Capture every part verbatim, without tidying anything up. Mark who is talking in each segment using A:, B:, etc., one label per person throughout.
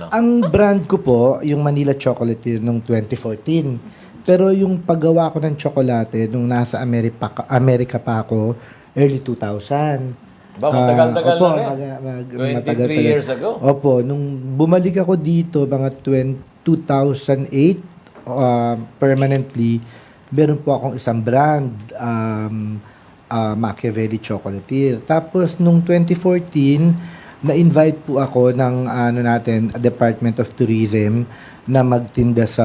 A: Ang brand ko po, yung Manila Chocolatier nung twenty fourteen. Pero yung paggawa ko ng tsokolate nung nasa Amerika, Amerika pa ako, early two thousand.
B: Ba, matagal-tagal
A: Ah, opo,
B: na rin.
A: mag, mag,
B: twenty-three
A: matagal-tagal.
B: years ago.
A: Opo, nung bumalik ako dito, mga two thousand eight, uh, permanently, meron po akong isang brand, um, uh, Machiavelli Chocolatier. Tapos, nung twenty fourteen, na-invite po ako ng ano natin, Department of Tourism na magtinda sa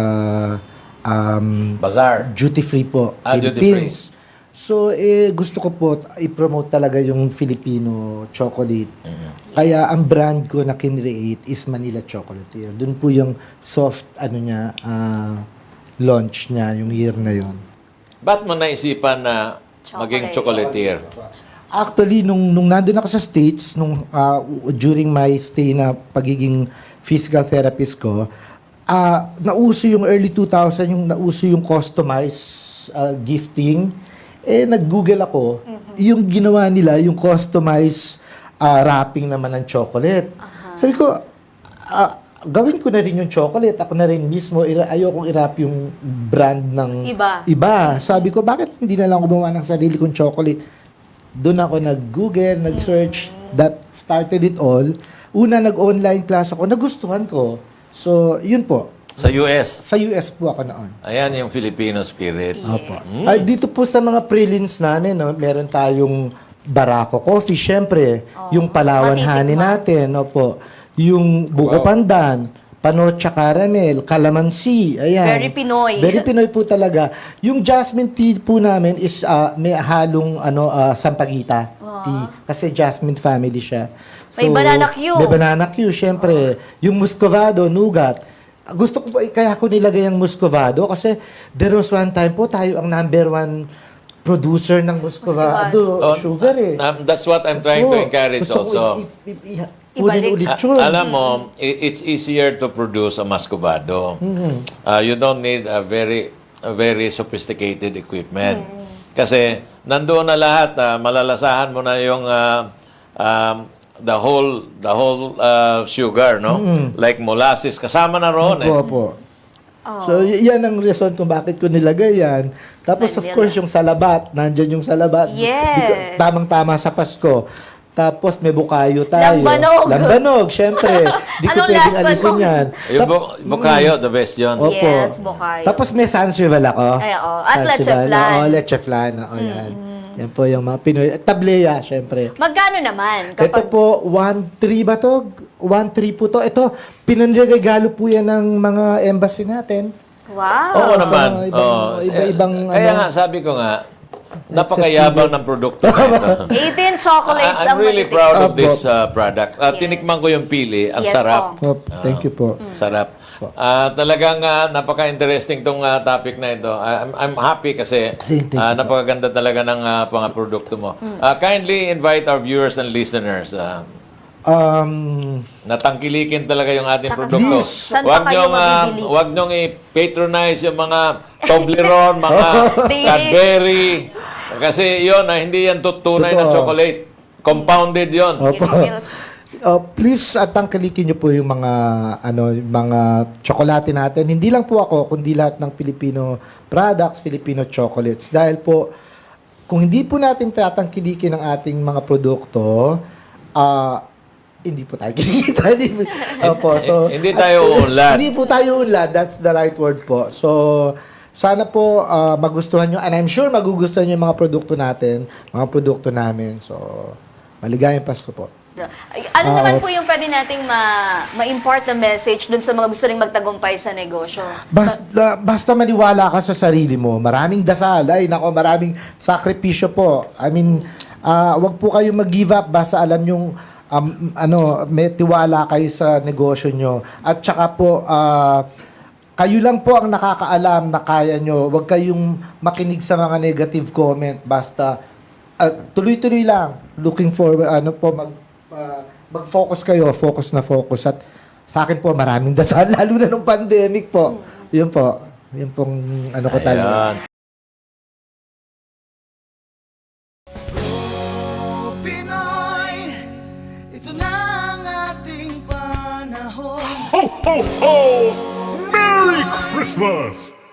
A: um,
B: Bazaar.
A: duty-free po,
B: Ah,
A: Philippines. So, eh, gusto ko po i-promote talaga yung Filipino chocolate. Kaya ang brand ko na kinreate is Manila Chocolatier. Doon po yung soft, ano niya, ah, launch niya, yung year na yon.
B: Ba't mo naisipan na maging chocolatier?
A: Actually, nung, nung nandun ako sa States, nung, ah, during my stay na pagiging physical therapist ko, ah, nauso yung early two thousand, yung nauso yung customized ah, gifting. Eh, nag-google ako, yung ginawa nila, yung customized ah, wrapping naman ng chocolate. Sabi ko, ah, gawin ko na rin yung chocolate. Ako na rin mismo, ira- ayokong i-wrap yung brand ng
C: Iba.
A: iba. Sabi ko, bakit hindi na lang gumawa ng sarili kong chocolate? Doon ako nag-google, nag-search. That started it all. Una, nag-online class ako. Nagustuhan ko. So, yun po.
B: Sa U S.
A: Sa U S po ako noon.
B: Ayan yung Filipino spirit.
A: Opo. Ay, dito po sa mga prelims namin, no, meron tayong Barako Coffee, syempre. Yung Palawan
C: Matitikman.
A: Honey natin, opo. Yung Buko
B: Wow.
A: Pandan, Panocha Caramel, Calamansi, ayan.
C: Very Pinoy.
A: Very Pinoy po talaga. Yung jasmine tea po namin is ah, may halong ano ah, sampagita tea. Kasi jasmine family siya.
C: May banana Q.
A: May banana Q, syempre. Yung Muscovado, Nougat. Gusto ko po, kaya ko nilagay ang Muscovado kasi there was one time po tayo ang number one producer ng Muscovado,
B: Oh,
A: sugar eh.
B: um, that's what I'm trying to
A: Oo.
B: encourage
A: Gusto ko
B: also.
A: i- i- i-
C: Ibalik.
A: ulit-ulit
B: A-
A: yun.
B: alam mo, i- it's easier to produce a muscovado. Uh, you don't need a very a very sophisticated equipment. Kasi nandoon na lahat, ah, malalasahan mo na yung ah, um, the whole the whole ah, sugar, no? Like molasses, kasama na roon eh.
A: Opo, opo. So, y- yan ang reason kung bakit ko nilagay yan. Tapos, of
C: Manila.
A: course, yung salabat. Nandyan yung salabat.
C: Yes.
A: Because- Tamang-tama sa Pasko. Tapos, may bukayo tayo.
C: Lambanog.
A: Lambanog, syempre. Di ko
C: Anong
A: pwedeng
C: lasa
A: alisin
C: nun?
A: yan.
B: Yung
A: Tap-
B: bu- bukayo, the best yun.
A: Opo.
C: Yes, bukayo.
A: Tapos, may sansrival ako.
C: Ay, oo. At
A: Sansrival.
C: leche flan.
A: Oo, leche flan. Oo, yan. Yan po yung mga Pinoy. At tableya, syempre.
C: Magkano naman?
A: Ito po, one three ba to? one three po to. Ito, pinanregalo po yan ng mga embassy natin.
C: Wow.
B: Oo
A: sa
B: naman.
A: mga ibang-
B: Oo.
A: iba-ibang
B: Kaya
A: ano.
B: nga, sabi ko nga, napakayabang ng produkto na ito.
C: eighteen chocolates
B: I- I'm
C: ang
B: really
C: matitikman.
B: proud of
A: Opo.
B: this uh, product. Uh,
C: Yes.
B: Tinikman ko yung pili. Ang
C: Yes
B: sarap.
C: po.
A: Oh, thank you po.
B: Sarap. Ah, talagang ah, napaka-interesting tong ah, topic na ito. Ah, I'm, I'm happy kasi
A: Thank you
B: ah,
A: po.
B: napakaganda talaga ng ah, mga produkto mo. Ah, kindly invite our viewers and listeners. ah,
A: Um,
B: natangkilikin talaga yung ating
C: Tsaka
B: produkto.
A: please.
C: Saan
B: Huwag
C: pa kayo
B: niyong, ah,
C: mabibili?
B: huwag niyong i-patronize yung mga Toblerone, mga
C: Di-
B: Cadbury. Kasi yon ah, hindi yan tunay na
A: Totoo.
B: chocolate. Compounded yon.
A: Opo.
C: Milk.
A: Uh, please at tangkilikin niyo po yung mga ano yung mga tsokolate natin. Hindi lang po ako kundi lahat ng Filipino products, Filipino chocolates. Dahil po kung hindi po natin tatangkilikin ang ating mga produkto, ah hindi po tayo kikita. Hindi po- Opo, so
B: Hindi tayo uunlad.
A: Hindi po tayo unlad. That's the right word po. So sana po ah, magustuhan nyo and I'm sure magugustuhan nyo yung mga produkto natin, mga produkto namin. So maligayang Pasko po.
C: Ay, Ano
A: Ah,
C: naman
A: op-
C: po yung pwede nating ma- ma-import na message dun sa mga gusto ring magtagumpay sa negosyo?
A: Basta, basta maniwala ka sa sarili mo. Maraming dasal. Ay, nako, maraming sakripisyo po. I mean, ah, wag po kayo mag-give up. Basta alam yung um, ano, may tiwala kayo sa negosyo nyo. At saka po, ah, kayo lang po ang nakakaalam na kaya nyo. Wag kayong makinig sa mga negative comment. Basta, ah, tuloy-tuloy lang. Looking forward, ano po, mag, ah, mag-focus kayo. Focus na focus. At sa akin po, maraming dasal, lalo na nung pandemic po. Yun po. Yun pong ano ko talaga.
B: Ayan.
D: Pinoy, ito na ang ating panahon. ho, ho! Merry Christmas!